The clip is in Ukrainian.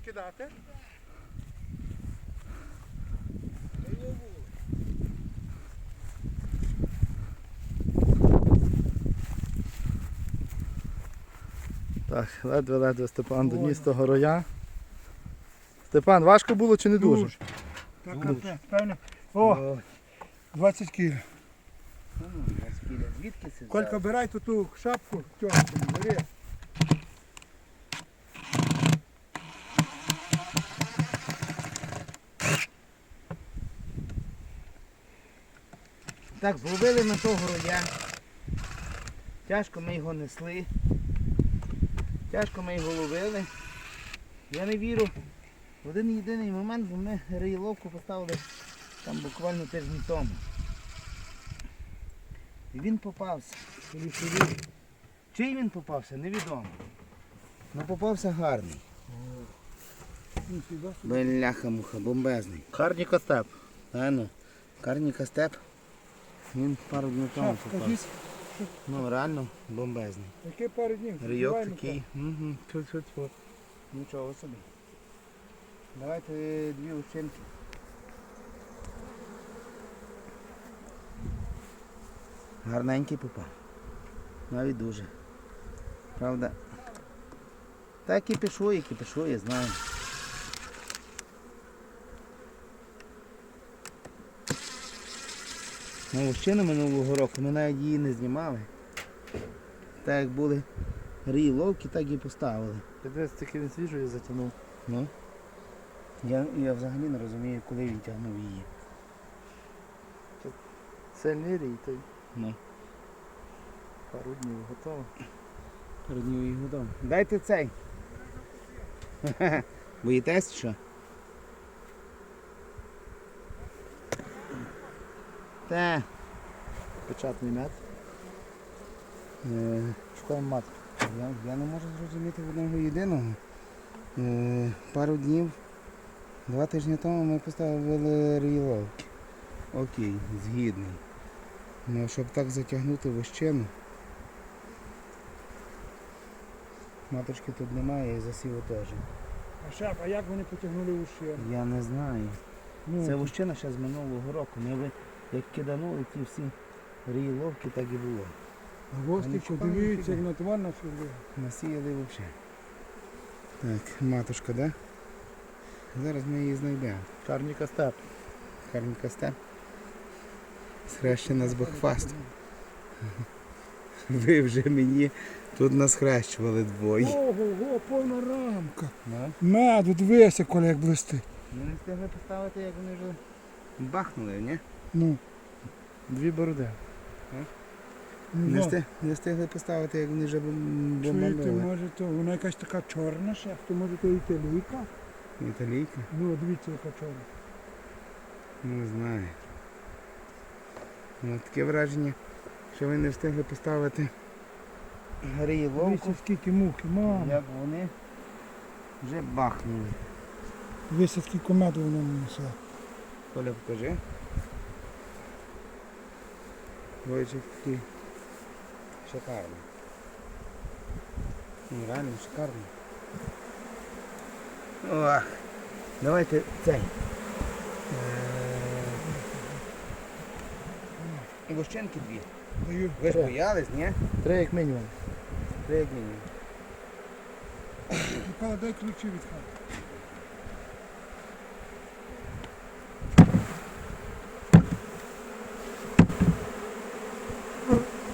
кидати? Так, ледве-ледве Степан доніс того роя. Степан, важко було чи не дуже? Так, певно. О, 20 кг. Звідки це? Колька, бирай ту шапку, тьомку, бери. Так, зловили ми того роя. Тяжко ми його несли. Тяжко ми його ловили. Я не вірю в один єдиний момент, бо ми риєловку поставили там буквально тиждень тому. І він попався. Чий він попався, невідомо. Ну попався гарний. Бляха-муха, бомбезний. Карніка степ. Ну, Карніка степ. Він пару днів тому попався. Ну реально бомбезний. Яке пару днів? Рийок такий. Нічого собі. Давайте дві ущенки. Гарненький попав. Навіть дуже. Правда. Та кипішує, я знаю. Ну, ущину минулого року ми навіть її не знімали. Так як були рії ловки, так і поставили. Дивись, тільки він свіжою затягнув. Ну. Я взагалі не розумію, коли він тягнув її. Сильний рій, той Ну. пару днів готово. Пару днів їх готово. Дайте цей. Боїтесь що? Та. Печатний мед. Шукаємо матку. Я не можу зрозуміти одного єдиного. Пару днів, 2 тижні тому ми поставили рієловки. Окей, згідний. Ну, щоб так затягнути вощину. Маточки тут немає і засіву теж. А як вони потягнули уші? Я не знаю. Ну, Це вощина ще з минулого року. Ми як киданули ті всі рієловки, так і було. А гості, що дивіться, як на твар насіли. Насіяли взагалі. Так, матушка, да? Зараз ми її знайдемо. Карніка степ. Карніка степ. Схрещена з бакфастом. Ви вже мені тут насхрещували двоє. Ого, повна рамка. Ну? Меду, дивися, коли як блистить. Ми не встигли поставити, як вони вже бахнули, ні? Ну, Дві бороди. Не встигли поставити, як вони вже чуєте, бомбанули. може то, вона якась така чорна ще, то може то італійка? Італійка? Ну, дивіться, яка чорна. Не знаю. Ну, таке враження, що ви не встигли поставити рієловку, Дивіться, скільки мухи, мама. як вони вже бахнули. Дивіться, скільки меду вона несе. Коля, покажи. Двоєчик такий шикарний. Ну, реально шикарний. Ох, давайте цей. Гущенки дві. Даю. Ви ж боялись, ні? 3 як мінімум. Три як мінімум. Микола, дай ключі від хати.